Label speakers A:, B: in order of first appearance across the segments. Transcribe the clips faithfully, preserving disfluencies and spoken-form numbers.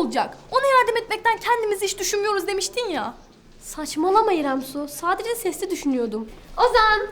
A: olacak? Ona yardım etmekten kendimizi hiç düşünmüyoruz demiştin ya.
B: Saçmalama İrem Su. Sadece sesli düşünüyordum. Ozan!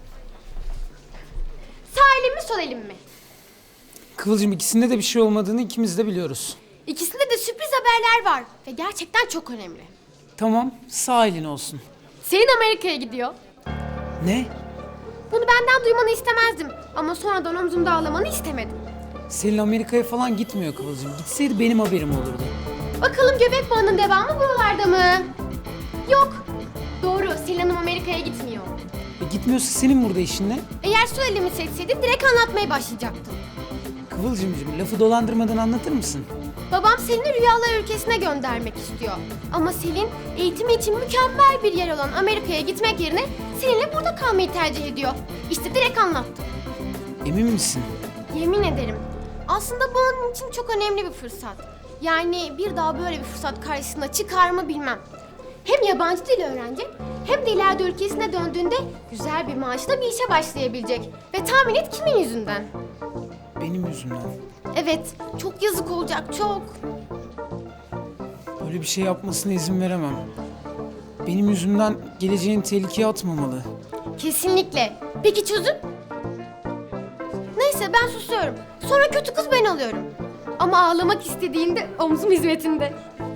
B: Sağ elim mi sol elim mi?
C: Kıvılcım, ikisinde de bir şey olmadığını ikimiz de biliyoruz.
B: İkisinde de sürpriz haberler var. Ve gerçekten çok önemli.
C: Tamam, sağ elin olsun.
B: Selin Amerika'ya gidiyor.
C: Ne?
B: Bunu benden duymanı istemezdim. Ama sonradan omzumda ağlamanı istemedim.
C: Selin Amerika'ya falan gitmiyor Kıvılcım. Gitseydi benim haberim olurdu.
B: Bakalım göbek bağının devamı buralarda mı? Yok. Doğru, Selin Hanım Amerika'ya gitmiyor.
C: E gitmiyorsa senin burada işin ne?
B: Eğer sol elimi seçseydin direkt anlatmaya başlayacaktım.
C: Kıvılcımcığım, lafı dolandırmadan anlatır mısın?
B: Babam Selin'i rüyalar ülkesine göndermek istiyor. Ama Selin eğitimi için mükemmel bir yer olan Amerika'ya gitmek yerine Selin'le burada kalmayı tercih ediyor. İşte direkt anlattım.
C: Emin misin?
B: Yemin ederim. Aslında bu onun için çok önemli bir fırsat. Yani bir daha böyle bir fırsat karşısına çıkar mı bilmem. Hem yabancı dil öğrenecek hem de ileride ülkesine döndüğünde güzel bir maaşla bir işe başlayabilecek. Ve tahmin et kimin yüzünden?
C: Benim yüzümden.
B: Evet, çok yazık olacak, çok.
C: Böyle bir şey yapmasına izin veremem. Benim yüzümden geleceğini tehlikeye atmamalı.
B: Kesinlikle. Peki çözüm? Neyse ben susuyorum. Sonra kötü kız ben alıyorum. Ama ağlamak istediğinde omzum hizmetinde.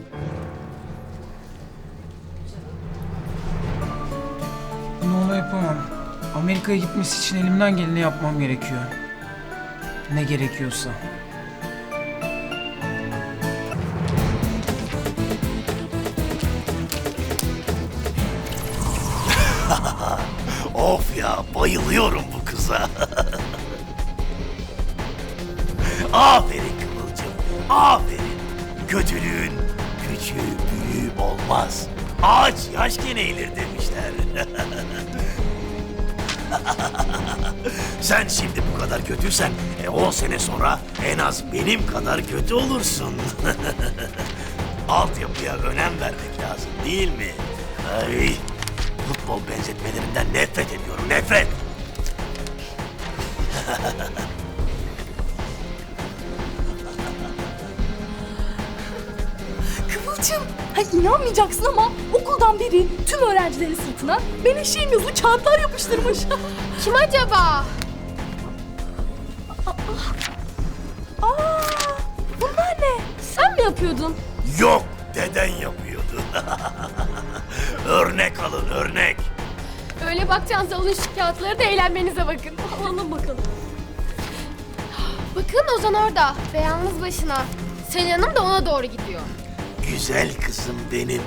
C: Bunu ona yapamam. Amerika'ya gitmesi için elimden geleni yapmam gerekiyor. Ne gerekiyorsa.
D: Of ya, bayılıyorum bu kıza. Aferin Kıvılcım, aferin. Kötülüğün küçüğü büyüğü olmaz. Ağaç yaşken eğilir demişler. Sen şimdi bu kadar kötüysen e, on sene sonra en az benim kadar kötü olursun. Altyapıya önem vermek lazım değil mi? Ay, futbol benzetmelerinden nefret ediyorum, nefret.
A: Kıvılcım, ha inanmayacaksın ama okuldan biri tüm öğrencilerin sırtına Menekşe'nin yazılı kağıtlar yapıştırmış.
B: Kim acaba?
A: Aa, bunlar ne?
B: Sen mi yapıyordun?
D: Yok, deden yapıyordu. Örnek alın, örnek.
B: Öyle bakacağınız alın şu kağıtları da eğlenmenize bakın.
A: Alalım bakalım.
B: Bakın Ozan orada ve yalnız başına. Selin Hanım da ona doğru gidiyor.
D: Güzel kızım benim.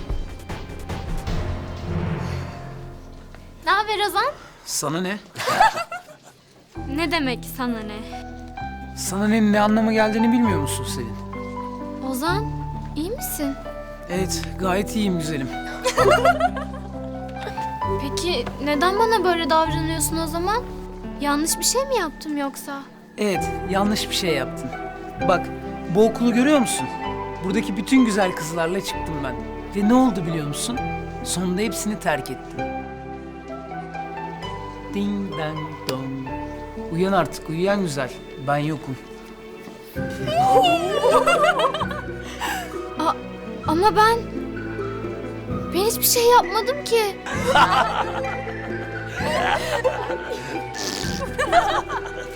B: Ne haber Ozan?
C: Sana ne?
E: Ne demek sana ne?
C: Sana ne, ne anlama geldiğini bilmiyor musun Selin?
E: Ozan, iyi misin?
C: Evet, gayet iyiyim güzelim.
E: Peki neden bana böyle davranıyorsun o zaman? Yanlış bir şey mi yaptım yoksa?
C: Evet, yanlış bir şey yaptın. Bak, bu okulu görüyor musun? Buradaki bütün güzel kızlarla çıktım ben. Ve ne oldu biliyor musun? Sonunda hepsini terk ettim. Ding dang dong. Uyan artık, uyuyan güzel. Ben yokum.
E: A- ama ben... Ben hiçbir şey yapmadım ki.